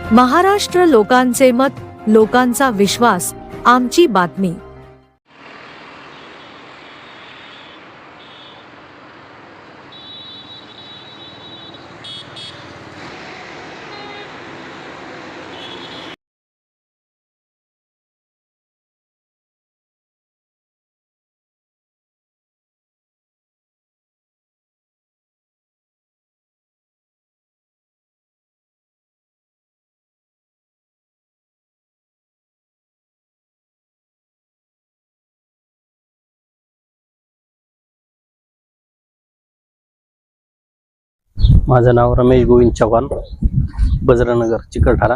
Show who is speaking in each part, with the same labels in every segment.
Speaker 1: महाराष्ट्र लोकांचे मत, लोकांचा विश्वास, आमची बातमी।
Speaker 2: माझं नाव रमेश गोविंद चव्हाण, बजरंगनगर चिकलठाणा।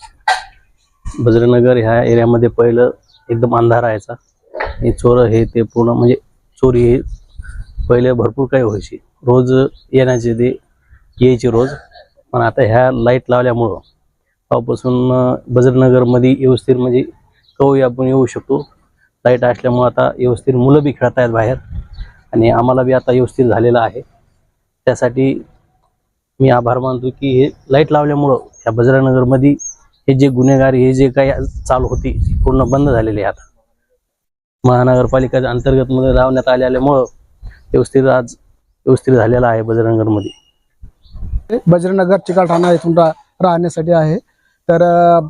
Speaker 2: बजरंगनगर ह्या एरियामध्ये पहिलं एकदम अंधार राहायचा। हे चोर हे ते पूर्ण म्हणजे चोरी हे पहिले भरपूर काही व्हायची, रोज येण्याचे ते यायचे रोज। पण आता ह्या लाईट लावल्यामुळं तेव्हापासून बजरंगनगरमध्ये व्यवस्थित म्हणजे कधी आपण येऊ शकतो। लाईट असल्यामुळं आता व्यवस्थित मुलं बी खेळत आहेत बाहेर आणि आम्हाला बी आता व्यवस्थित झालेलं आहे। त्यासाठी मी आभार मानतो की हे लाईट लावल्यामुळं ह्या बजरंगनगरमध्ये हे जे गुन्हेगारी हे जे काही चालू होती पूर्ण बंद झालेले आहे। आता महानगरपालिकेच्या अंतर्गत मध्ये लावण्यात आल्यामुळं व्यवस्थित झालेला आहे बजरंगनगरमध्ये।
Speaker 3: बजरंगनगर चिकलठाणा इथून राहण्यासाठी आहे। तर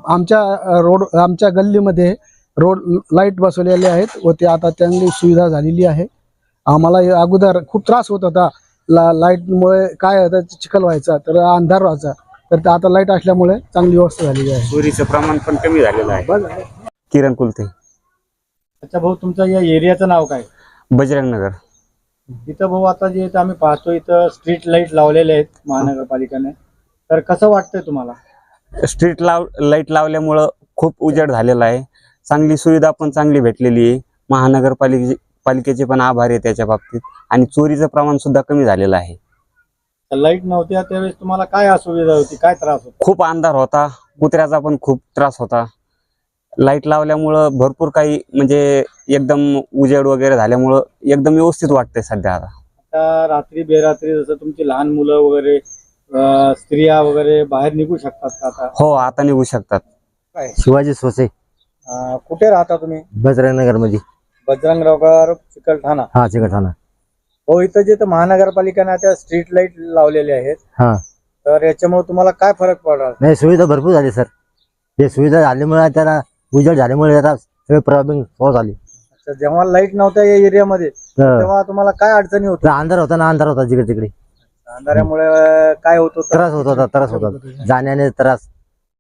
Speaker 3: आमच्या गल्लीमध्ये रोड लाईट बसवलेले आहेत व ते आता चांगली सुविधा झालेली आहे। आम्हाला अगोदर खूप त्रास होत होता, लाईटमुळे काय होतं चिखल व्हायचा, तर अंधार व्हायचा, तर आता लाईट असल्यामुळे चांगली व्यवस्था झालेली आहे।
Speaker 4: चोरीचं प्रमाण पण कमी झालेलं आहे। किरण कुलते।
Speaker 5: अच्छा भाऊ, तुमच्या या एरियाचं नाव काय?
Speaker 4: बजरंगनगर।
Speaker 5: इथं भाऊ आता जे आम्ही पाहतो इथं स्ट्रीट लाईट लावलेले आहेत महानगरपालिकेने, तर कसं वाटतंय तुम्हाला?
Speaker 4: स्ट्रीट लाईट लावल्यामुळं खूप उजेड झालेला आहे, चांगली सुविधा पण चांगली भेटलेली आहे। महानगरपालिकेचे पण आभार आहे त्याच्या बाबतीत, आणि चोरीचं प्रमाण सुद्धा कमी झालेलं आहे।
Speaker 5: लाईट नव्हत्या त्यावेळेस तुम्हाला काय असुविधा होती, काय त्रास होता?
Speaker 4: खूप अंधार होता, कुत्र्याचा पण खूप त्रास होता। लाईट लावल्यामुळं भरपूर काही म्हणजे एकदम उजेड वगैरे झाल्यामुळं एकदम व्यवस्थित वाटतंय सध्या।
Speaker 5: आता रात्री बेरात्री जसं तुमची लहान मुलं वगैरे स्त्रिया वगैरे बाहेर निघू शकतात का आता?
Speaker 4: हो, आता निघू शकतात।
Speaker 6: शिवाजी सोसे।
Speaker 5: कुठे राहता तुम्ही?
Speaker 6: बजरंगनगर मध्ये।
Speaker 5: बजरंगनगर चिकलठाणा।
Speaker 6: हा, चिकलठाणा।
Speaker 5: हो, इथं जे महानगरपालिकेने आता स्ट्रीट लाईट लावलेले आहेत,
Speaker 6: हा,
Speaker 5: तर याच्यामुळे तुम्हाला काय फरक पडला?
Speaker 6: नाही, सुविधा भरपूर झाली सर। हे सुविधा झाल्यामुळे त्याला उजेड झाल्यामुळे आता सगळे प्रॉब्लेम सॉल्व्ह झाले।
Speaker 5: अच्छा, जेव्हा लाईट नव्हत्या या एरियामध्ये तेव्हा तुम्हाला काय अडचणी होत्या?
Speaker 6: अंधार होता ना, अंधार होता जिकडे तिकडे,
Speaker 5: अंधारामुळे काय होत होतं?
Speaker 6: त्रास होत होता जाण्याने त्रास,